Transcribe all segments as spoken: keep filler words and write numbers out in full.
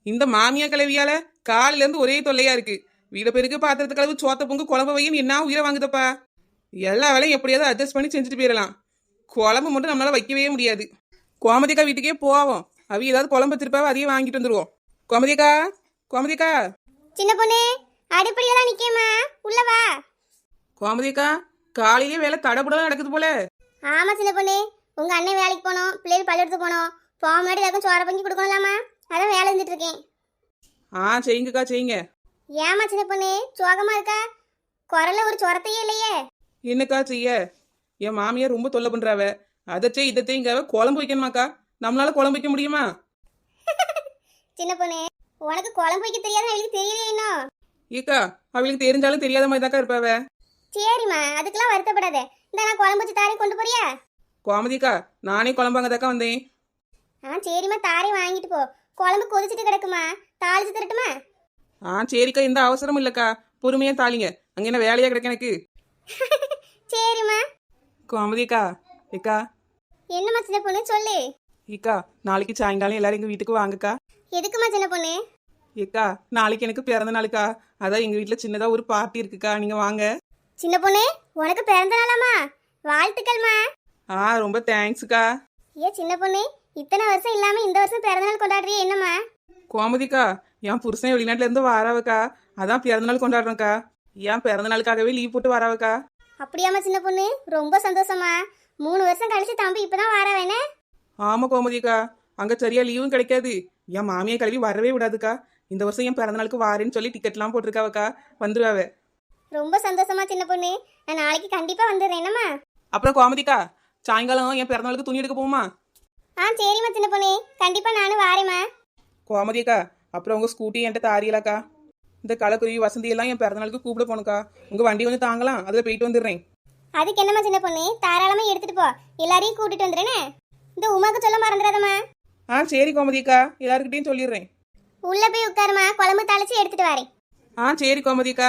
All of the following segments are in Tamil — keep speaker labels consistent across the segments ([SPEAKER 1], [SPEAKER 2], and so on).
[SPEAKER 1] இந்த மாமியா கிளவியால காலையில இருந்து ஒரே தொல்லையா இருக்கு. வீட பெருக்கு பாத்திரத்து கலவு சோத்த பொங்கு குழம்பு வையும் என்ன உயிரை வாங்குதப்பா. எல்லா வேலையும் எப்படியாவது அட்ஜஸ்ட் பண்ணி செஞ்சுட்டு போயிடலாம். குழம்பு மட்டும் நம்மளால வைக்கவே முடியாது. கோமதிக்கா வீட்டுக்கே போவோம். அவ ஏதாவது குழம்பு வச்சிருப்பாவ அதையே வாங்கிட்டு வந்துருவோம். கோமதிக்கா கோமதிக்கா
[SPEAKER 2] சின்ன பொண்ணு அடிப்படையில தான் நிக்கேமா, உள்ள வா.
[SPEAKER 1] கோமதிக்கா காலையிலே வேலை தடபுடலாம் நடக்குது போல.
[SPEAKER 2] ஆமா சின்ன பொண்ணு, உங்க அண்ணன் வேலைக்கு போனோம், பிள்ளைகள் பள்ளியெடுத்து போனோம். போக முன்னாடி எல்லாருக்கும் சோற பொங்கி கொடுக்கலாமா, அதான் வேலை செஞ்சுட்டு இருக்கேன்.
[SPEAKER 1] ஆ செய்யுங்கக்கா செய்யுங்க.
[SPEAKER 2] ஏமா சின்ன பொண்ணு சோகமா இருக்கா? குரல்ல ஒரு சொரத்தையே இல்லையே.
[SPEAKER 1] என்னக்கா செய்ய, என் மாமியார் ரொம்ப தொல்லை பண்றாவ. அதச்சே இதத்தையும் குழம்பு வைக்கணுமாக்கா? நம்மளால குழம்பு வைக்க முடியுமா?
[SPEAKER 2] சின்ன பொண்ணு உனக்கு குழம்பு வைக்க தெரியாத அவளுக்கு தெரியலையே இன்னும்.
[SPEAKER 1] ஏக்கா அவளுக்கு தெரிஞ்சாலும் தெரியாத மாதிரி தாக்கா இருப்பாவ.
[SPEAKER 2] சரிம்மா, அதுக்கெல்லாம் வருத்தப்படாத. இந்த நான் குழம்பு வச்சு தாரி கொண்டு போறியா?
[SPEAKER 1] கோமதிக்கா நானே குழம்பாங்கதாக்கா வந்தேன்.
[SPEAKER 2] ஆ சரிம்மா, தாரி வாங்கிட்டு போ. குழம்பு கொதிச்சுட்டு கிடக்குமா, தாளிச்சு தரட்டுமா?
[SPEAKER 1] ஆ சரிக்கா, எந்த அவசரமும் இல்லக்கா, பொறுமையா தாளிங்க. அங்க என்ன வேலையா கிடக்க எனக்கு.
[SPEAKER 2] சரிம்மா.
[SPEAKER 1] கோமதிக்கா ஏக்கா.
[SPEAKER 2] என்னம்மா சின்ன பொண்ணு சொல்லு.
[SPEAKER 1] ஏக்கா நாளைக்கு சாயங்காலம் எல்லாரும் எங்க வீட்டுக்கு வாங்கக்கா.
[SPEAKER 2] எதுக்குமா சின்ன பொண்ணு?
[SPEAKER 1] ஏக்கா நாளைக்கு எனக்கு பிறந்த நாளுக்கா, அதான் எங்க வீட்டுல சின்னதா ஒரு பார்ட்டி இருக்குக்கா, நீங்க வாங்க.
[SPEAKER 2] சின்ன பொண்ணு உனக்கு பிறந்த நாளாமா, வாழ்த்துக்கள்மா.
[SPEAKER 1] ஆ ரொம்ப தேங்க்ஸ்க்கா.
[SPEAKER 2] ஏ சின்ன பொண்ணு, இத்தனை வருஷம் இல்லாம இந்த வருஷம் பிறந்த நாள் கொண்டாடுறியே என்னம்மா?
[SPEAKER 1] கோமதிக்கா என் புருஷன் வெளிநாட்டுல இருந்து வராவக்கா, அதான் பிறந்த நாள் கொண்டாடுறோம்க்கா. ஏன் பிறந்த நாளுக்காகவே லீவ் போட்டு வராவக்கா.
[SPEAKER 2] அப்படியாமா சின்ன பொண்ணு, ரொம்ப சந்தோஷமா. மூணு வருஷம் கழிச்சு தம்பி இப்பதான் வாராவேனே.
[SPEAKER 1] ஆமா கோமதிக்கா, அங்க சரியா லீவும் கிடைக்காது. என் மாமியை கல்வி வரவே விடாதுக்கா. இந்த வருஷம் என் பிறந்த நாளுக்கு வாரேன்னு சொல்லி டிக்கெட்லாம் போட்டிருக்காவக்கா, வந்துருவாவ.
[SPEAKER 2] ரொம்ப சந்தோஷமா சின்ன பொண்ணு, நான் நாளைக்கு கண்டிப்பா வந்துடுறேன் என்னம்மா.
[SPEAKER 1] அப்புறம் கோமதிக்கா சாயங்காலம் என் பிறந்த நாளுக்கு துணி எடுக்க போமா?
[SPEAKER 2] ஆ சரிம்மா சின்ன பொண்ணு, கண்டிப்பா நானும் வாரேம்மா.
[SPEAKER 1] கோமதிக்கா அப்புறம் உங்க ஸ்கூட்டி என்கிட்ட தாரியலாக்கா. இந்த கலக்குருவி வசந்தி எல்லாம் என் பிறந்த நாளுக்கு கூப்பிட போனுக்கா. உங்க வண்டி கொஞ்சம் தாங்கலாம், அதுல போயிட்டு வந்துடுறேன்.
[SPEAKER 2] அதுக்கு என்னம்மா சின்ன பொண்ணு, தாராளமா எடுத்துட்டு போ. எல்லாரையும் கூட்டிட்டு வந்துடுறேனே. இந்த உமாக்கு சொல்ல மறந்துடாதம்மா.
[SPEAKER 1] ஆ சரி கோமதிக்கா, எல்லாருக்கிட்டையும் சொல்லிடுறேன்.
[SPEAKER 2] உள்ள போய் உட்காருமா, குழம்பு தாளிச்சு எடுத்துட்டு வரேன்.
[SPEAKER 1] ஆ சரி கோமதிக்கா.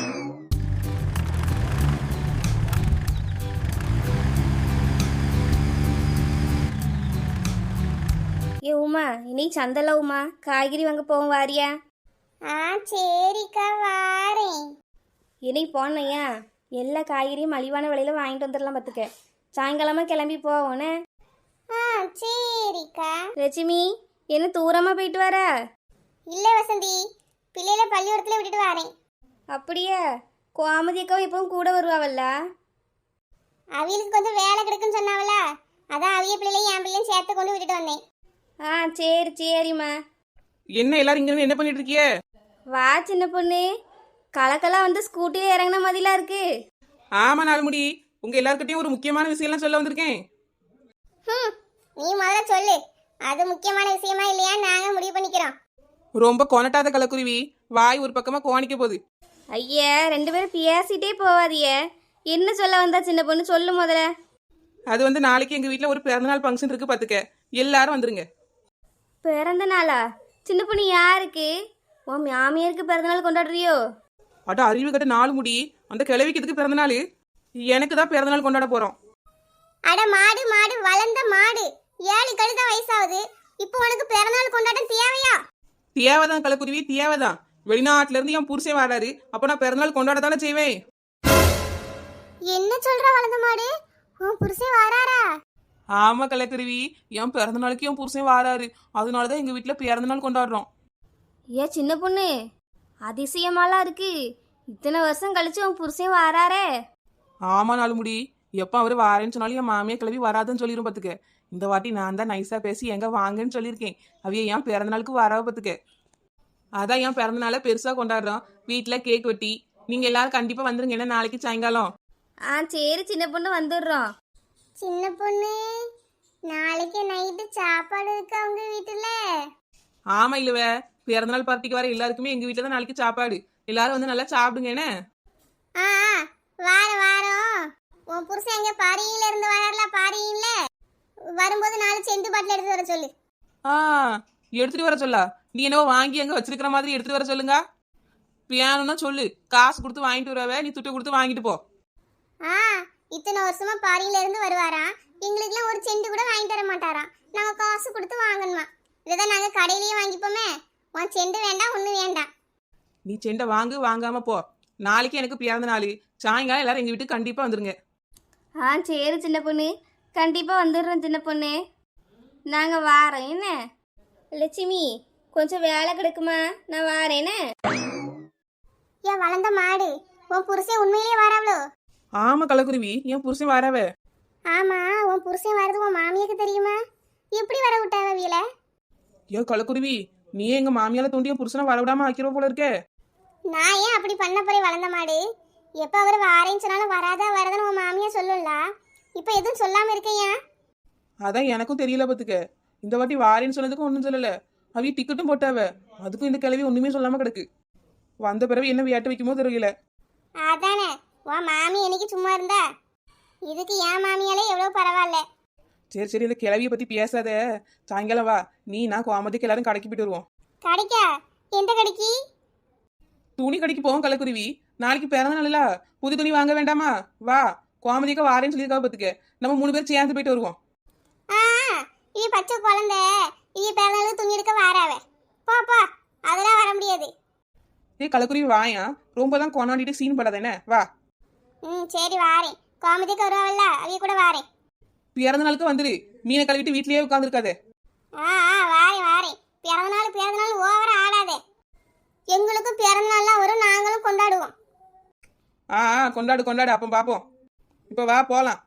[SPEAKER 3] ஏ உமா, இன்னைக்கு சந்தல உமா, காய்கறி வாங்க போவோம் வாரியா?
[SPEAKER 2] ஆ சரிக்கா வாரேன்.
[SPEAKER 3] இன்னைக்கு போனையா எல்லா காய்கறியும் மலிவான விலையில வாங்கிட்டு வந்துடலாம் பார்த்துக்க. சாயங்காலமா கிளம்பி போவோனே.
[SPEAKER 2] ஆ சரிக்கா.
[SPEAKER 3] லட்சுமி என்ன தூரமா போயிட்டு வர?
[SPEAKER 2] இல்ல வசந்தி, பிள்ளைல பள்ளிக்கூடத்துல விட்டுட்டு வரேன்.
[SPEAKER 3] அப்படியே கோமதி அக்காவும் இப்பவும் கூட வருவாவல்ல?
[SPEAKER 2] அவியலுக்கு கொஞ்சம் வேலை கிடக்குன்னு சொன்னாவல, அதான் அவிய பிள்ளைலையும் என் பிள்ளையும் சேர்த்து கொண்டு விட்டுட்டு வந்தேன்.
[SPEAKER 3] ஆ சரி சரிம்மா.
[SPEAKER 1] என்ன எல்லாரும் இங்க என்ன பண்ணிட்டு இருக்கிய?
[SPEAKER 3] வா சின்ன பொண்ணு, கலக்கெல்லாம் வந்து ஸ்கூட்டில இறங்கின மாதிரிலாம் இருக்கு.
[SPEAKER 1] ஆமா நாலுமுடி, உங்க எல்லாருக்கிட்டையும் ஒரு முக்கியமான விஷயம்லாம் சொல்ல வந்திருக்கேன்.
[SPEAKER 2] ம், நீ முதல்ல சொல்லு. அது முக்கியமான விஷயமா இல்லையா நாங்க முடிவு பண்ணிக்கிறோம்.
[SPEAKER 1] ரொம்ப கொனட்டாத கலக்குருவி, வாய் ஒரு பக்கமா கோணிக்க போகுது.
[SPEAKER 3] ஐயா ரெண்டு பேரும் பேசிட்டே போவாதிய. என்ன சொல்ல வந்தா சின்ன பொண்ணு, சொல்லு முதல்ல.
[SPEAKER 1] அது வந்து நாளைக்கு எங்க வீட்டுல ஒரு பிறந்தநாள் ஃபங்க்ஷன் இருக்கு பாத்துக்க, எல்லாரும் வந்துருங்க.
[SPEAKER 3] பிறந்த நாளா? சின்ன பொண்ணு யாருக்கு? உன் மாமியாருக்கு பிறந்த நாள் கொண்டாடுறியோ?
[SPEAKER 1] அட அறிவு கட்ட நாலு முடி, அந்த கிழவிக்கு எதுக்கு பிறந்த நாள்? எனக்கு தான் பிறந்த நாள் கொண்டாட போறோம்.
[SPEAKER 2] அட மாடு மாடு வளர்ந்த மாடு, ஏழு கழுத வயசாகுது, இப்போ உனக்கு பிறந்தநாள் கொண்டாட்டம் தேவையா?
[SPEAKER 1] தேவைதான் கலக்குருவி, தேவைதான். வெளிநாட்டுல இருந்து என் புருஷன் வராரு, அப்ப நான் பிறந்தநாள் கொண்டாட தானே செய்வேன்.
[SPEAKER 2] என்ன சொல்ற வளர்ந்த மாடு, உன் புருஷன் வராரா?
[SPEAKER 1] ஆமா கலக்குருவி, என் பிறந்த நாளுக்கு என் புருஷன் வராரு, அதனாலதான் எங்க வீட்டுல பிறந்த நாள் கொண்டாடுறோம்.
[SPEAKER 3] ஏ சின்ன பொண்ணு, அதிசயமாலாம் இருக்கு. இத்தனை வருஷம் கழிச்சு உன் புருஷன் வராரே.
[SPEAKER 1] ஆமா நாலு முடி, எப்ப அவரு வாரேன்னு சொன்னாலும் என் மாமியா கிளவி வராதுன்னு சொல்லிரும் பாத்துக்க. இந்த வாட்டி நான் தான் நைஸா பேசி எங்க வாங்கன்னு சொல்லியிருக்கேன். அவைய என் பிறந்த நாளுக்கு வராவ பாத்துக்க. அதான் என் பிறந்த நாளை பெருசா கொண்டாடுறோம். வீட்டுல கேக் வெட்டி நீங்க எல்லாரும் கண்டிப்பா வந்துருங்க. என்ன நாளைக்கு சாயங்காலம்?
[SPEAKER 3] ஆ சரி சின்ன பொண்ணு, வந்துடுறோம்.
[SPEAKER 2] சின்ன பொண்ணு, நாளைக்கு நைட்டு சாப்பாடு இருக்கு அவங்க வீட்டுல?
[SPEAKER 1] ஆமா இல்லவ, பிறந்தநாள் பார்ட்டிக்கு வர எல்லாருக்குமே எங்க வீட்டுல தான் நாளைக்கு சாப்பாடு. எல்லாரும் வந்து நல்லா சாப்பிடுங்க. என்ன
[SPEAKER 2] ஆ வாரம் வாரம் உன் புருஷன் எங்க பாரியில இருந்து வராருல, பாரியில வரும்போது நாலு செந்து பாட்டில் எடுத்து வர சொல்லு.
[SPEAKER 1] ஆ எடுத்துட்டு வர சொல்லா? நீ என்னவோ வாங்கி அங்க வச்சிருக்கிற மாதிரி எடுத்துட்டு வர சொல்லுங்க. பியானுன்னா சொல்லு, காசு கொடுத்து வாங்கிட்டு வரவ, நீ துட்டு கொடுத்து வாங்கிட்டு போ.
[SPEAKER 2] ஆ இத்தனை வருஷமா பாரியில இருந்து வருவாராம், எங்களுக்குலாம் ஒரு செண்டு கூட வாங்கி தர மாட்டாராம். நாங்க காசு கொடுத்து வாங்கணுமா? இதான் நாங்க கடையிலேயே வாங்கிப்போமே. உன் செண்டு வேண்டாம் ஒண்ணு வேண்டாம்.
[SPEAKER 1] நீ செண்டை வாங்கு, வாங்காம போ. நாளைக்கு எனக்கு பிறந்த நாள். சாயங்காலம் எல்லாரும் எங்க வீட்டுக்கு கண்டிப்பா வந்துருங்க.
[SPEAKER 3] ஆ சரி சின்ன பொண்ணு, கண்டிப்பாக வந்துடுறோம் சின்ன பொண்ணு. நாங்கள் வாரோம் என்ன. லட்சுமி கொஞ்சம் வேலை கிடக்குமா, நான் வாரேனே.
[SPEAKER 2] ஏன் வளர்ந்த மாடு, உன் புருஷன் உண்மையிலேயே வராவளோ?
[SPEAKER 1] ஆமா கலக்குருவி, என் புருஷன் வரவ.
[SPEAKER 2] ஆமா, உன் புருஷன் வரது உன் மாமியாக்கு தெரியுமா? எப்படி வர விட்டாவ வீல?
[SPEAKER 1] ஏன் கலக்குருவி, நீ எங்க மாமியால தூண்டிய புருஷனை வரவிடாம ஆக்கிரோ போல இருக்கே.
[SPEAKER 2] நான் ஏன் அப்படி பண்ண போறேன் வளர்ந்த மாடு? எப்ப அவர் வாரேன்னு சொன்னாலும் வராதா வரதுன்னு உன் மாமியா சொல்லும்ல. இப்ப எதுவும் சொல்லாம இருக்கையா?
[SPEAKER 1] அதான் எனக்கும் தெரியல பத்துக்க. இந்த வாட்டி வாரேன்னு சொன்னதுக்கும் ஒன்றும் சொல்லல. அவி டிக்கெட்டும் போட்டாவ, அதுக்கும் இந்த கிளவி ஒண்ணுமே சொல்லாம கிடக்கு. வந்த பிறகு என்ன வியாட்டு வைக்குமோ தெரியல.
[SPEAKER 2] அதானே, உன் மாமி என்னைக்கு சும்மா இருந்தா? இதுக்கு என் மாமியாலே எவ்வளவு பரவாயில்ல.
[SPEAKER 1] சரி சரி, இந்த கிளவியை பத்தி பேசாத. சாயங்காலம் வா, நீ நான் கோமதிக்கு எல்லாரும் கடைக்கு போயிட்டு வருவோம்.
[SPEAKER 2] கடைக்கா? எந்த கடைக்கு?
[SPEAKER 1] துணி கடைக்கு போவோம் கலக்குருவி. நாளைக்கு பிறந்த நாள்ல புது துணி வாங்க வேண்டாமா? வா, கோமதிக்கு வாரேன்னு சொல்லியிருக்கா பத்துக்க. நம்ம மூணு பேர் சேர்ந்து போயிட்டு வருவோம்.
[SPEAKER 2] ஆ, இவ பச்சை குழந்தை, இவ பிறந்தநாளுக்கு துணி எடுக்க வாராவ. போ போ, அதெல்லாம் வர முடியாது.
[SPEAKER 1] ஏ கலக்குருவி வாயா, ரொம்ப தான் கொண்டாடிட்டு சீன் படாத என்ன. வா.
[SPEAKER 2] ம் சரி வாரேன். கோமதிக்கு வருவாள்ல, அவைய கூட வாரேன்.
[SPEAKER 1] பிறந்த நாளுக்கு வந்துரு. மீனை கழுவிட்டு வீட்லயே உட்காந்துருக்காதே.
[SPEAKER 2] ஆ ஆ வாரேன் வாரேன். பிறந்த நாள் பிறந்த நாள் ஓவரா ஆடாதே. எங்களுக்கும் பிறந்த நாள்லாம் வரும், நாங்களும் கொண்டாடுவோம்.
[SPEAKER 1] ஆ ஆ, கொண்டாடு கொண்டாடு, அப்போ பாப்போம். இப்போ வா போலாம்.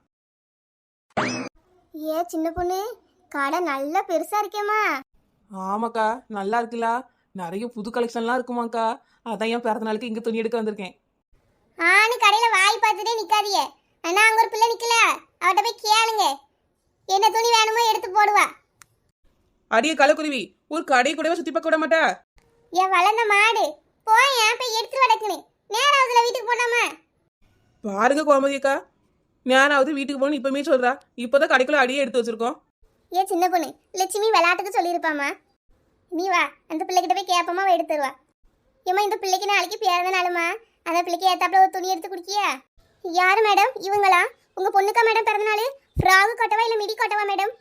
[SPEAKER 2] ஏ சின்ன பொண்ணு, கடை நல்லா பெருசா இருக்கேம்மா.
[SPEAKER 1] ஆமாக்கா, நல்லா இருக்குல்ல. நிறைய புது கலெக்ஷன்லாம் இருக்குமாக்கா. அதான் என் பிறந்த நாளுக்கு இங்க துணி எடுக்க வந்திருக்கேன்.
[SPEAKER 2] ஆனு கடையில வாய் பார்த்துட்டே நிக்காதீங்க. அண்ணா அங்க ஒரு பிள்ளை நிக்கல, அவட்ட போய் கேளுங்க. என்ன துணி வேணுமோ எடுத்து போடுவா.
[SPEAKER 1] அடியே கலக்குருவி, ஒரு கடை கூடவே சுத்தி பார்க்க விட மாட்டா?
[SPEAKER 2] ஏன் வளர்ந்த மாடு, போய் ஏன் போய் எடுத்துட்டு வடக்குன்னு நேராவதுல வீட்டுக்கு போடாமா?
[SPEAKER 1] பாருங்க கோமதிக்கா, ஞானாவது வீட்டுக்கு போகணும் இப்பவுமே சொல்றா. இப்போதான் கடைக்குள்ள அடியே எடுத்து வச்சிருக்கோம்.
[SPEAKER 2] ஏ சின்ன பொண்ணு, லட்சுமி விளையாட்டுக்கு சொல்லியிருப்பாமா. நீ வா, அந்த பிள்ளைகிட்ட போய் கேப்பமா எடுத்து தருவா. ஏமா இந்த பிள்ளைக்கு நாளைக்கு பிறந்த நாளுமா, அந்த பிள்ளைக்கு ஏத்தாப்புல ஒரு துணி எடுத்து குடிக்கியா? யாரு மேடம் இவங்களா? உங்க பொண்ணுக்கா மேடம் பிறந்த நாள்? ஃப்ராகு கட்டவா இல்ல மிடி கட்டவா மேடம்?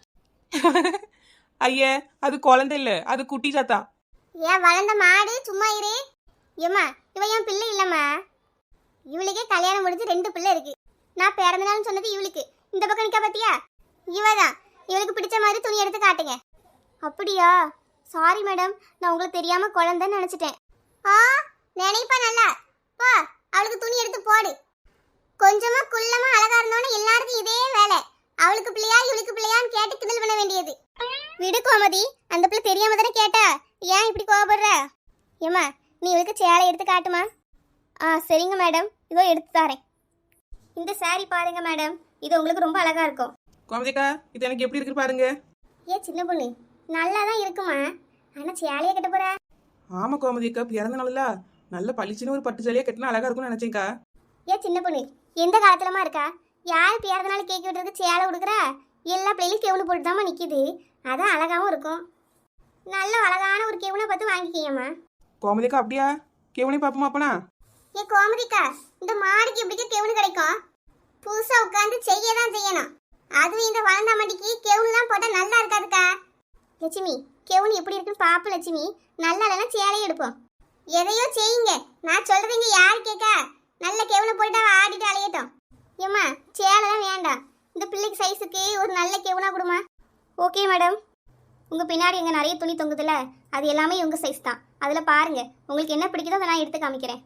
[SPEAKER 1] ஐயே, அது குழந்தை இல்ல, அது குட்டி சாத்தா.
[SPEAKER 2] ஏன் வளர்ந்த மாடு, சும்மா இரு. ஏம்மா இவ என் பிள்ளை இல்லம்மா. இவளுக்கே கல்யாணம் முடிஞ்சு ரெண்டு பிள்ளை இருக்கு. நான் பிறந்த நாள்னு சொன்னது இவளுக்கு. இந்த பக்கம் நிக்கா பாத்தியா? இவதான். இவளுக்கு பிடிச்ச மாதிரி துணி எடுத்து காட்டுங்க. அப்படியா? சாரி மேடம், நான் உங்களுக்கு தெரியாம குழந்தைன்னு நினைச்சிட்டேன். ஆ, நினைப்பா நல்லா. போ, அவளுக்கு துணி எடுத்து போடு. கொஞ்சமா குள்ளமா அழகா இருந்தோன்னு எல்லாருக்கும் இதே வேலை. அவளுக்கு பிள்ளையா இவளுக்கு பிள்ளையான்னு கேட்டு கிண்டல் பண்ண வேண்டியது. விடு கோமதி, அந்த பிள்ளை தெரியாம தானே கேட்டா. ஏன் இப்படி கோபப்படுற? ஏம்மா நீ இவளுக்கு சேலை எடுத்து காட்டுமா? ஆ சரிங்க மேடம், இதோ எடுத்து தரேன். இந்த சாரி பாருங்க மேடம், இது உங்களுக்கு ரொம்ப அழகா இருக்கும்.
[SPEAKER 1] கோமதிக்கா, இது எனக்கு எப்படி இருக்கு பாருங்க.
[SPEAKER 2] ஏ சின்ன பொண்ணு, நல்லா தான் இருக்குமா, ஆனா சேலையை கட்ட போற?
[SPEAKER 1] ஆமா கோமதிக்கா, பிறந்த நாள்ல நல்ல பளிச்சுன்னு ஒரு பட்டு சேலையா கட்டினா அழகா இருக்கும்னு நினைச்சேன்க்கா.
[SPEAKER 2] ஏ சின்ன பொண்ணு, எந்த காலத்துலமா இருக்கா? யாரு பிறந்த நாள் கேக் விட்டுறதுக்கு சேலை கொடுக்குறா? எல்லா பிள்ளைகளும் கெவுனு போட்டு தாம்மா நிக்குது. அதான் அழகாவும் இருக்கும். நல்ல அழகான ஒரு கெவுனை பார்த்து வாங்கிக்கியம்மா.
[SPEAKER 1] கோமதிக்கா அப்படியா? கேவனே பாப்போமா அப்பனா?
[SPEAKER 2] ஏ கோமதிக்கா, இந்த மாடிக்கு எப்படிக்கா கெவுனு கிடைக்கும்? புதுசா உட்காந்து செய்ய தான் செய்யணும். அதுவும் இந்த வளர்ந்த மாட்டிக்கு கெவுனுலாம் போட்டா நல்லா இருக்காதுக்கா. லட்சுமி, கெவுனு எப்படி இருக்குன்னு பாப்பு லட்சுமி. நல்லா இல்லைன்னா சேலையை எடுப்போம். எதையோ செய்யுங்க, நான் சொல்றீங்க யாரு கேட்கா? நல்ல கெவுனை போட்டு அவ ஆடிட்டு அலையட்டும். ஏம்மா சேலைலாம் வேண்டாம், இந்த பிள்ளைக்கு சைஸுக்கு ஒரு நல்ல கெவுனா கொடுமா. Okay madam. உங்கள் பின்னாடி எங்கே நிறைய துணி தொங்குதுல, அது எல்லாமே உங்கள் சைஸ் தான். அதில் பாருங்கள், உங்களுக்கு என்ன பிடிக்குதோ அதை நான் எடுத்து காமிக்கிறேன்.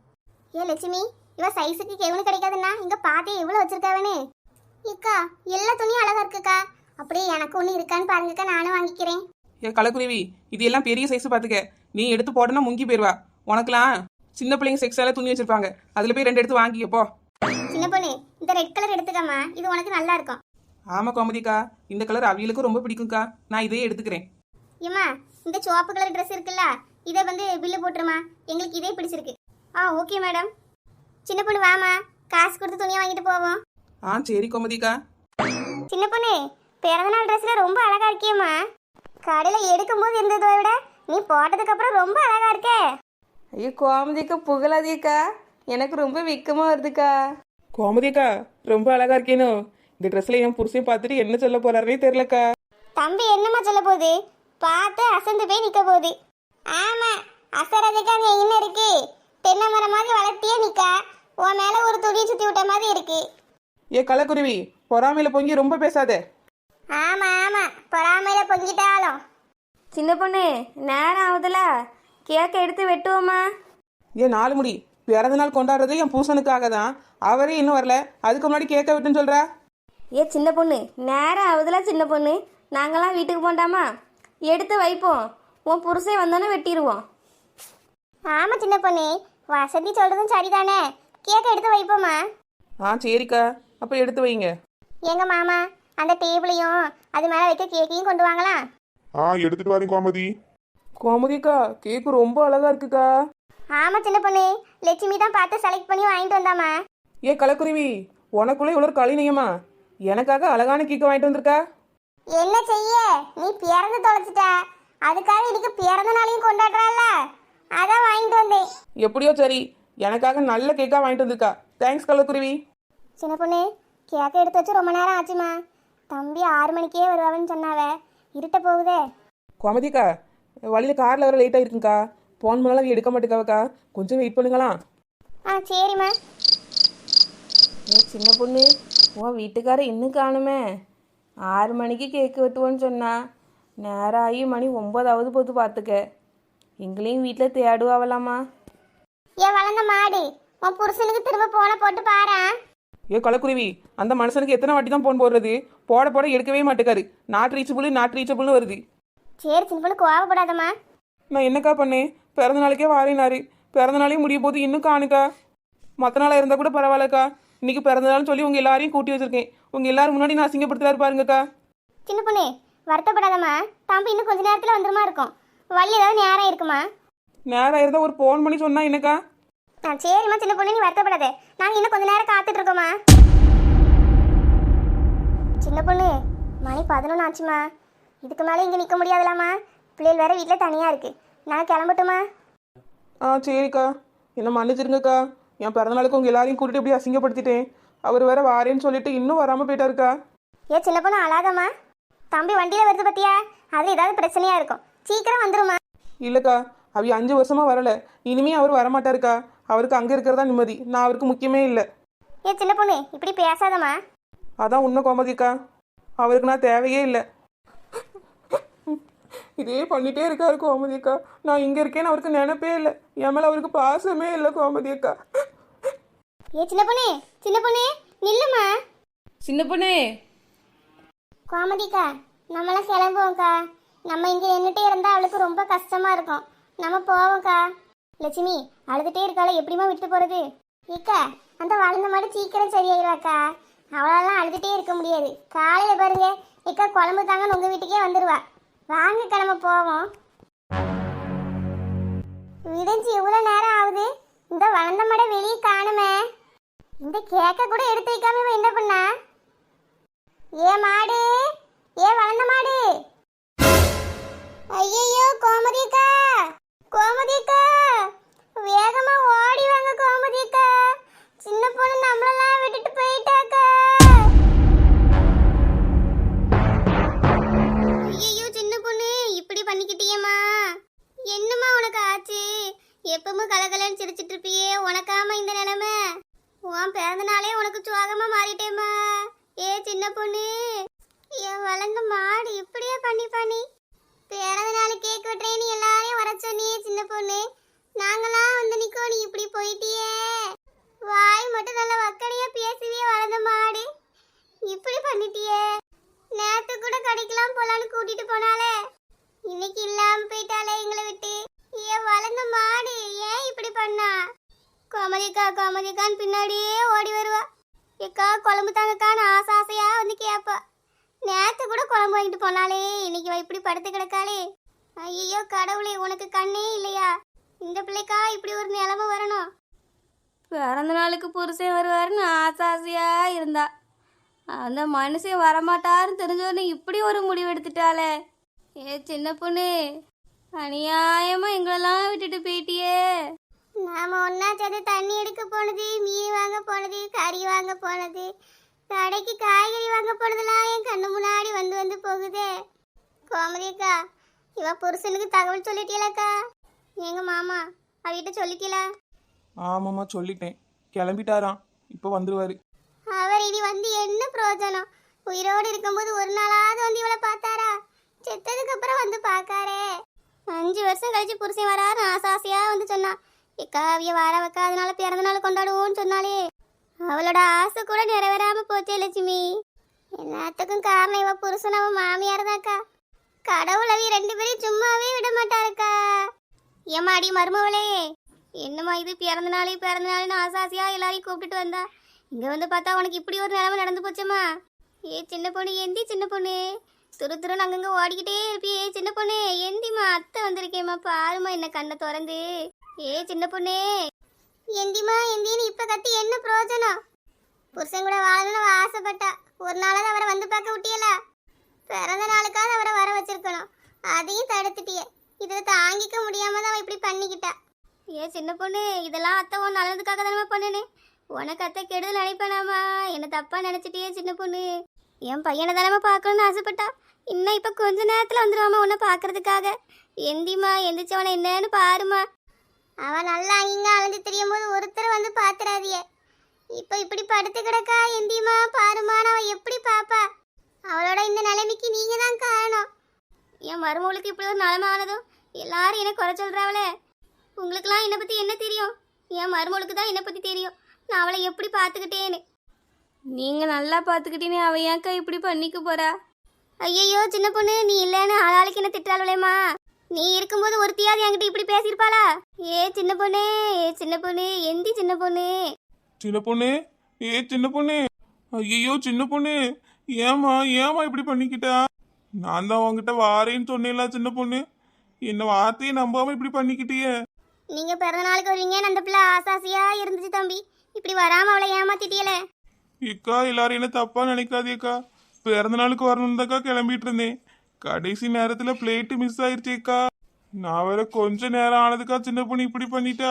[SPEAKER 2] ஏ லட்சுமி, இவ சைஸுக்கு கெவுனு கிடைக்காதுன்னா இங்கே பார்த்தே எவ்வளோ வச்சிருக்காவனே. இக்கா எல்லா துணியும் அழகா இருக்குக்கா. அப்படியே எனக்கு ஒன்று இருக்கான்னு பாருங்கக்கா, நானும் வாங்கிக்கிறேன்.
[SPEAKER 1] ஏ கலக்குருவி, இது எல்லாம் பெரிய சைஸ் பார்த்துக்க. நீ எடுத்து போடனா முங்கி போயிடுவா. உனக்குலாம் சின்ன பிள்ளைங்க செக்ஸால துணி வச்சிருப்பாங்க, அதில் போய் ரெண்டு எடுத்து வாங்கிக்கப்போ.
[SPEAKER 2] சின்ன பொண்ணு, இந்த ரெட் கலர் எடுத்துக்கம்மா, இது உனக்கு நல்லா இருக்கும்.
[SPEAKER 1] ஆமா கோமதிக்கா, இந்த கலர் அவியலுக்கும் ரொம்ப பிடிக்கும்க்கா. நான் இதையே எடுத்துக்கிறேன்.
[SPEAKER 2] ஏம்மா இந்த சிவப்பு கலர் ட்ரெஸ் இருக்குல்ல, இதை வந்து பில்லு போட்டுருமா, எங்களுக்கு இதே பிடிச்சிருக்கு. ஆ ஓகே மேடம். சின்ன பொண்ணு வாமா, காசு கொடுத்து துணியை வாங்கிட்டு போவோம்.
[SPEAKER 1] ஆ சரி கோமதிக்கா.
[SPEAKER 2] சின்ன பொண்ணு, பிறந்தநாள் ட்ரெஸ்ல ரொம்ப அழகா இருக்கியம்மா. கடையில் எடுக்கும்போது இருந்ததை விட நீ போட்டதுக்கு அப்புறம் ரொம்ப அழகா இருக்கே.
[SPEAKER 3] ஐயோ கோமதிக்கா புகழாதீக்கா, எனக்கு ரொம்ப வெக்கமா வருதுக்கா.
[SPEAKER 1] கோமதிக்கா ரொம்ப அழகா இருக்கேனோ. இந்த ட்ரெஸ்ல என் புருஷன் பார்த்துட்டு என்ன சொல்ல போறாருனே தெரியலக்கா.
[SPEAKER 2] தம்பி என்னம்மா சொல்ல போகுது? பார்த்து அசந்து போய் நிக்க போகுது. ஆமா அசரதுக்கு அங்க என்ன இருக்கு? தென்னை மரமாக வளர்த்தியே நிக்கா. உன் மேல ஒரு துணியை சுத்தி விட்ட மாதிரி இருக்கு.
[SPEAKER 1] ஏ கலக்குருவி, பொறாமையில பொங்கி ரொம்ப பேசாத.
[SPEAKER 2] ஆமா ஆமா, பொறாமையில பொங்கிட்டாலும்.
[SPEAKER 3] சின்ன பொண்ணு நேரம் ஆகுதுல, கேக்கை எடுத்து வெட்டுவோமா?
[SPEAKER 1] ஏன் நாலு முடி பிறந்த நாள் கொண்டாடுறது என் பூசனுக்காக தான். அவரே இன்னும் வரல, அதுக்கு முன்னாடி கேட்க விட்டுன்னு சொல்ற.
[SPEAKER 3] ஏ சின்ன பொண்ணு நேரம் ஆகுதுல சின்ன பொண்ணு, நாங்களாம் வீட்டுக்கு போண்டாமா? எடுத்து வைப்போம், உன் புருஷன் வந்தோன்னே வெட்டிடுவோம்.
[SPEAKER 2] ஆமா சின்ன பொண்ணு, வசதி சொல்றதும் சரிதானே. கேக்க எடுத்து வைப்போமா?
[SPEAKER 1] ஆ சரிக்கா, அப்போ எடுத்து வைங்க.
[SPEAKER 2] எங்க மாமா அந்த டேபிளையும் அது மேல வைக்க கேக்கையும் கொண்டு வாங்கலாம்.
[SPEAKER 4] ஆ எடுத்துட்டு வரேன் கோமதி.
[SPEAKER 1] கோமதிக்கா, கேக்கு ரொம்ப அழகா இருக்குக்கா.
[SPEAKER 2] ஆமா சின்ன பொண்ணு, லட்சுமி தான் பார்த்து செலக்ட் பண்ணி வாங்கிட்டு வந்தாமா.
[SPEAKER 1] ஏ கலக்குருவி, உனக்குள்ள இவ்வளோ கலினியமா? எனக்காக அழகான கேக்கு வாங்கிட்டு வந்திருக்கா.
[SPEAKER 2] என்ன செய்ய, நீ பிறந்து தொலைச்சிட்ட. அதுக்காக இன்னைக்கு பிறந்த நாளையும் கொண்டாடுறால, அதான் வாங்கிட்டு வந்தேன்.
[SPEAKER 1] எப்படியோ சரி, எனக்காக நல்ல கேக்கா வாங்கிட்டு வந்திருக்கா. தேங்க்ஸ் கலக்குருவி.
[SPEAKER 2] சின்ன பொண்ணு, கேக்க எடுத்து வச்சு ரொம்ப நேரம் ஆச்சுமா. தம்பி ஆறு மணிக்கே வருவான்னு சொன்னாவ, இருட்ட போகுதே.
[SPEAKER 1] கோமதிக்கா, வழியில் காரில் வர லேட்டாக இருக்குங்கக்கா. ஃபோன் பண்ணாலும் எடுக்க மாட்டேக்காவக்கா, கொஞ்சம் வெயிட் பண்ணுங்களாம்.
[SPEAKER 2] ஆ சரிம்மா.
[SPEAKER 3] ஏ சின்ன பொண்ணு, உன் வீட்டுக்காரர் இன்னும் காணுமே. ஆறு மணிக்கு கேக்கு வெட்டுவோன்னு சொன்னா, நேரம் ஆகி மணி ஒம்பதாவது போது பார்த்துக்க. எங்களையும் வீட்டில் தேடுவாவலாமா?
[SPEAKER 2] ஏன் வளர்ந்த மாடு, உன் புருஷனுக்கு திரும்ப போன போட்டு பாரு.
[SPEAKER 1] ஏ கலக்குருவி, அந்த மனுஷனுக்கு எத்தனை வாட்டி தான் ஃபோன் போடுறது? போட போட எடுக்கவே மாட்டேக்காரு. நாட் ரீச்சபுள் நாட் ரீச்சபுள்னு வருது.
[SPEAKER 2] சரி சின்ன பொண்ணு, கோவப்படாதம்மா.
[SPEAKER 1] நான் என்னக்கா பண்ணேன்? பிறந்த நாளைக்கே வாரேனாரு, பிறந்த நாளையும் முடிய போது இன்னும் காணுக்கா. மற்ற நாளாக இருந்தால் கூட பரவாயில்லக்கா, இன்னைக்கு பிறந்த நாள்னு சொல்லி உங்கள் எல்லாரையும் கூட்டி வச்சிருக்கேன். உங்கள் எல்லாரும் முன்னாடி நான் அசிங்கப்படுத்துறாரு பாருங்கக்கா.
[SPEAKER 2] சின்ன பொண்ணு வருத்தப்படாதம்மா, தம்பி இன்னும் கொஞ்ச நேரத்தில் வந்துருமா இருக்கும். வழி ஏதாவது நேரம் இருக்குமா?
[SPEAKER 1] நேரம் இருந்தால் ஒரு ஃபோன் பண்ணி சொன்னா என்னக்கா?
[SPEAKER 2] ஆ சரிம்மா சின்ன பொண்ணு, நீ வருத்தப்படாத. நாங்கள் இன்னும் கொஞ்ச நேரம் காத்துட்டு இருக்கோம்மா. சின்ன பொண்ணு, மணி பதினொன்று ஆச்சுமா. இதுக்கு மேலே இங்கே நிற்க முடியாதுலாமா. பிள்ளைகள் வேற வீட்டில் தனியாக இருக்கு. நான் கிளம்பட்டுமா?
[SPEAKER 1] ஆ சரிக்கா, என்ன மன்னிச்சிருங்கக்கா. என் பிறந்த நாளுக்கு உங்கள் எல்லாரையும் கூட்டிட்டு இப்படி அசிங்கப்படுத்திட்டேன். அவர் வேற வாரேன்னு சொல்லிட்டு இன்னும் வராமல் போயிட்டாருக்கா.
[SPEAKER 2] ஏ சின்ன பொண்ணு அழாதம்மா. தம்பி வண்டியில் வருது பத்தியா, அது ஏதாவது பிரச்சனையாக இருக்கும். சீக்கிரம் வந்துருமா.
[SPEAKER 1] இல்லைக்கா, அவ அஞ்சு வருஷமாக வரலை. இனிமே அவர் வரமாட்டாருக்கா. அவருக்கு அங்கே இருக்கிறதா நிம்மதி, நான் அவருக்கு முக்கியமே இல்லை.
[SPEAKER 2] ஏ சின்ன பொண்ணு இப்படி பேசாதம்மா.
[SPEAKER 1] அதான் உண்மை கோமதிக்கா, அவருக்கு நான் தேவையே இல்லை. இதே பண்ணிட்டே இருக்காரு கோமதிக்கா. நான் இங்கே இருக்கேன்னு அவருக்கு நினைப்பே இல்லை. என் மேலே அவருக்கு பாசமே இல்லை கோமதிக்கா.
[SPEAKER 2] ஏ சின்ன பொண்ணு, சின்ன பொண்ணு நில்லுமா.
[SPEAKER 3] சின்ன பொண்ணு,
[SPEAKER 2] கோமதிக்கா, நம்மளாம் கிளம்புவோம்க்கா. நம்ம இங்கே நின்றுட்டே இருந்தால் அவளுக்கு ரொம்ப கஷ்டமாக இருக்கும். நம்ம போவோம்க்கா. லட்சுமி அழுதுகிட்டே இருக்காள, எப்படிமா விட்டு போகிறது? ஏக்கா, அந்த வளர்ந்த மாடு சீக்கிரம் சரியாயிருவாக்கா. அவளாலாம் அழுதுகிட்டே இருக்க முடியாது. காலையில் பாருங்க ஏக்கா, குழம்பு தாங்கன்னு உங்கள் வீட்டுக்கே வந்துடுவா. வாங்க கிளம்ப போவோம். விடிஞ்சு எவ்வளோ நேரம் ஆகுது, இந்த வளர்ந்த மாடை வெளியே காணுமே. இந்த கேக்க கூட எடுத்து வைக்காம இவன் என்ன பண்ணா? ஏ மாடு, ஏ வளர்ந்த மாடு. ஐயோ கோமதிக்கா, கோமதிக்கா, வேகமா ஓடி வாங்க கோமதிக்கா. சின்ன பொண்ணு நம்மளெல்லாம் விட்டுட்டு போயிட்டாக்கா. ஐயோ சின்ன பொண்ணு, இப்படி பண்ணிக்கிட்டியம்மா. என்னம்மா உனக்கு ஆச்சு? எப்பவும் கலகலன்னு சிரிச்சிட்டு இருப்பியே, உனக்காம இந்த நிலைமை? உன் பிறந்த நாளே உனக்கு சுவாகமா மாறிட்டேம்மா. ஏ சின்ன பொண்ணு, என் வளர்ந்த மாடு இப்படியே பண்ணி பண்ணி பிறந்த நாள் கேக் வெட்டுறேன்னு எல்லாரையும் வர சொன்னியே சின்ன பொண்ணு. நாங்களாம் வந்து நிக்கோ, நீ இப்படி போயிட்டியே. வாய் மட்டும் நல்ல வக்கனையா பேசுவியே வளர்ந்த மாடு, இப்படி பண்ணிட்டியே. நேத்து கூட கடைக்கெல்லாம் போலான்னு கூட்டிட்டு போனாலே, இன்னைக்கு இல்லாம போயிட்டாலே எங்களை விட்டு. ஏன் வளர்ந்த மாடு ஏன் இப்படி பண்ணா? கோமதிக்கா கோமதிக்கான்னு பின்னாடியே ஓடி வருவா. ஏக்கா குழம்பு தாங்கக்கான்னு ஆசை ஆசையா வந்து கேட்பா. நேத்து கூட குழம்பு வாங்கிட்டு போனாலே, இன்னைக்கு வா இப்படி படுத்து கிடக்காளே. ஐயோ கடவுளே, உனக்கு கண்ணே இல்லையா? இந்த பிள்ளைக்கா இப்படி ஒரு நிலைமை வரணும்?
[SPEAKER 3] பிறந்த நாளுக்கு புருஷன் வருவாருன்னு ஆசை ஆசையா இருந்தா, அந்த மனுஷன் வரமாட்டாருன்னு தெரிஞ்சோடனே இப்படி ஒரு முடிவு எடுத்துட்டாளே. ஏ சின்ன பொண்ணு, அநியாயமா எங்களெல்லாம் விட்டுட்டு போயிட்டியே.
[SPEAKER 2] நாம ஒன்னா சேர்ந்து தண்ணி எடுக்க போனது, மீன் வாங்க போனது, கறி வாங்க போனது, கடைக்கு காய்கறி வாங்க போனதெல்லாம் என் கண்ணு முன்னாடி வந்து வந்து போகுதே. கோமதிக்கா, இவ புருஷனுக்கு தகவல் சொல்லிட்டீங்களக்கா? எங்க மாமா அவகிட்ட சொல்லிக்கல.
[SPEAKER 1] ஆமாம்மா சொல்லிட்டேன், கிளம்பிட்டாராம், இப்போ வந்துருவாரு.
[SPEAKER 2] அவர் இனி வந்து என்ன பிரயோஜனம்? உயிரோடு இருக்கும்போது ஒரு நாளாவது வந்து இவளை பார்த்தாரா? செத்ததுக்கு அப்புறம் வந்து பார்க்காரே. அஞ்சு வருஷம் கழிச்சு புருஷன் வராரு ஆசாசியா வந்து சொன்னா. இக்கா அவிய வார வைக்க அதனால பிறந்த நாள் கொண்டாடுவோம்னு சொன்னாலே. அவளோட ஆசை கூட நிறைவேறாம போச்சே லட்சுமி. எல்லாத்துக்கும் காரணம் இவ புருஷன் அவன் மாமியார் தான்க்கா. கடவுள் அவிய ரெண்டு பேரையும் சும்மாவே விட மாட்டாருக்கா. ஏமாடி மருமவளே, என்னம்மா இது பிறந்த நாளே பிறந்த நாள்னு ஆசாசியா எல்லாரையும் கூப்பிட்டுட்டு வந்தா. இங்க வந்து பார்த்தா உனக்கு இப்படி ஒரு நிலைமை நடந்து போச்சம்மா. ஏ சின்ன பொண்ணு எந்தி சின்ன பொண்ணு, துரு துருன்னு அங்கங்க ஓடிக்கிட்டே இருப்பியே சின்ன பொண்ணு எந்திமா, அத்தை வந்திருக்கேம்மா பாருமா என்ன கண்ணை திறந்து. ஏ சின்ன பொண்ணு எந்திமா எந்தின்னு இப்ப கத்தி என்ன பிரயோஜனம்? புருஷன் கூட வாழணும்னு ஆசைப்பட்டா, ஒரு நாளாவது அவரை வந்து பார்க்க விட்டியல. பிறந்த நாளுக்காவது அவரை வர வச்சிருக்கணும், அதையும் தடுத்துட்டியே. இதை தாங்கிக்க முடியாம தான் அவ இப்படி பண்ணிக்கிட்டா. ஏ சின்ன பொண்ணு, இதெல்லாம் அத்தை உன் நல்லதுக்காக தானே பண்ணுனே. உனக்கு அத்தை கெடுதல் நினைப்பேனாமா, என்ன தப்பா நினைச்சிட்டியே சின்ன பொண்ணு. என் பையனை தானே பார்க்கணும்னு ஆசைப்பட்டா, இன்னும் இப்ப கொஞ்ச நேரத்துல வந்துருவாமா உன்னை பாக்குறதுக்காக. எந்திமா எந்திரிச்சவனை என்னன்னு பாருமா. அவன் நல்லா இங்க அலைஞ்சு தெரியும் போது ஒருத்தர் வந்து பாத்துறாதிய. இப்ப இப்படி படுத்து கிடக்கா. எந்திமா பாருமா, அவ எப்படி பாப்பா? அவளோட இந்த நிலைமைக்கு நீங்க தான் காரணம். என் மருமகளுக்கு இப்படி ஒரு நிலைமை ஆனதும் எல்லாரும் என்ன குறை சொல்றாவளே. உங்களுக்குலாம் என்னை பத்தி என்ன தெரியும்? என் மருமகளுக்கு தான் என்னை பத்தி தெரியும், நான் அவளை எப்படி பாத்துக்கிட்டேன்னு.
[SPEAKER 3] நீங்கள் நல்லா பார்த்துக்கிட்டீனே, அவ ஏன்க்கா இப்படி பண்ணிக்க போறா?
[SPEAKER 2] ஐயையோ சின்ன பொண்ணு, நீ இல்லைன்னு ஆளாளுக்கு என்ன திட்டாளேம்மா. நீ இருக்கும்போது ஒருத்தியாவது என்கிட்ட இப்படி பேசியிருப்பாளா? ஏ சின்ன பொண்ணு, ஏ சின்ன பொண்ணு எந்தி சின்ன பொண்ணு.
[SPEAKER 4] சின்ன பொண்ணு, ஏ சின்ன பொண்ணு, ஐயோ சின்ன பொண்ணு, ஏமா ஏமா இப்படி பண்ணிக்கிட்டா? நான் தான் உங்ககிட்ட வாரேன்னு சொன்னேன்ல சின்ன பொண்ணு, என்ன வார்த்தையை நம்பாம இப்படி பண்ணிக்கிட்டியே.
[SPEAKER 2] நீங்க பிறந்த நாளுக்கு வருவீங்கன்னு அந்த பிள்ளை ஆசாசியா இருந்துச்சு தம்பி. இப்படி வராம அவளை ஏமாத்திட்டியல.
[SPEAKER 4] இக்கா எல்லாரும் என்ன தப்பா நினைக்காதேக்கா, பிறந்த நாளுக்கு வரணும் தாக்கா கிளம்பிட்டு இருந்தேன். கடைசி நேரத்துல பிளேட்டு மிஸ் ஆயிடுச்சேக்கா. நான் வேற கொஞ்ச நேரம் ஆனதுக்கா சின்ன பொண்ணு இப்படி பண்ணிட்டா.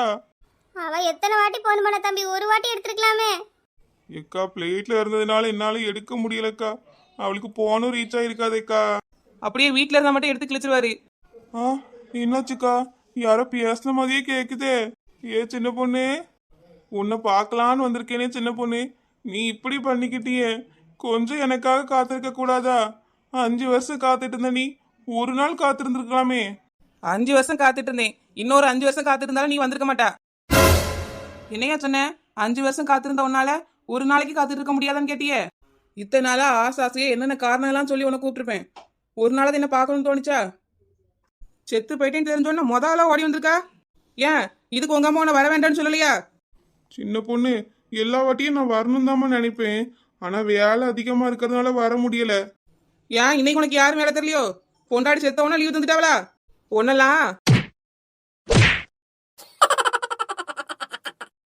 [SPEAKER 2] அவ எத்தனை வாட்டி போன் பண்ண தம்பி, ஒரு வாட்டி எடுத்துருக்கலாமே.
[SPEAKER 4] எக்கா பிளேட்ல இருந்ததுனால என்னால எடுக்க முடியலக்கா, அவளுக்கு போனும் ரீச் ஆயிருக்காதேக்கா.
[SPEAKER 1] அப்படியே வீட்டில் இருந்தால் மட்டும் எடுத்து கிழிச்சிருவாரு.
[SPEAKER 4] ஆ என்னாச்சுக்கா, யாரோ பேசின மாதிரியே கேக்குதே. ஏ சின்ன பொண்ணு, உன்னை பார்க்கலான்னு வந்திருக்கேனே சின்ன பொண்ணு, நீ இப்படி பண்ணிக்கிட்டியே. கொஞ்சம் எனக்காக காத்திருக்க கூடாதா? அஞ்சு வருஷம் காத்துட்டு இருந்த நீ ஒரு நாள் காத்திருந்துருக்கலாமே.
[SPEAKER 1] அஞ்சு வருஷம் காத்துட்டு இருந்தேன், இன்னொரு அஞ்சு வருஷம் காத்துட்டு இருந்தாலும் நீ வந்திருக்க மாட்டா. என்னையா சொன்ன? அஞ்சு வருஷம் காத்திருந்த உன்னால ஒரு நாளைக்கு காத்துட்டு இருக்க முடியாதான்னு கேட்டியே. இத்தனை நாளா ஆசை ஆசையே என்னென்ன காரணம் எல்லாம் சொல்லி உன்னை கூப்பிட்டுருப்பேன். ஒரு நாளாவது என்ன பார்க்கணும்னு தோணுச்சா? செத்து போயிட்டேன்னு தெரிஞ்சோன்னா முதல்ல ஓடி வந்திருக்கா. ஏன் இதுக்கு உங்க அம்மா உன்னை வர வேண்டாம்னு சொல்லலையா?
[SPEAKER 4] சின்ன பொண்ணு, எல்லா வாட்டியும் நான் வரணும் தாம்மா நினைப்பேன், ஆனா வேலை அதிகமா இருக்கிறதுனால வர முடியல.
[SPEAKER 1] ஏன் இன்னைக்கு உனக்கு யாரும் வேலை தெரியலையோ? பொண்டாடி செத்தவனா லீவ் தந்துட்டாவளா? ஒன்னெல்லாம்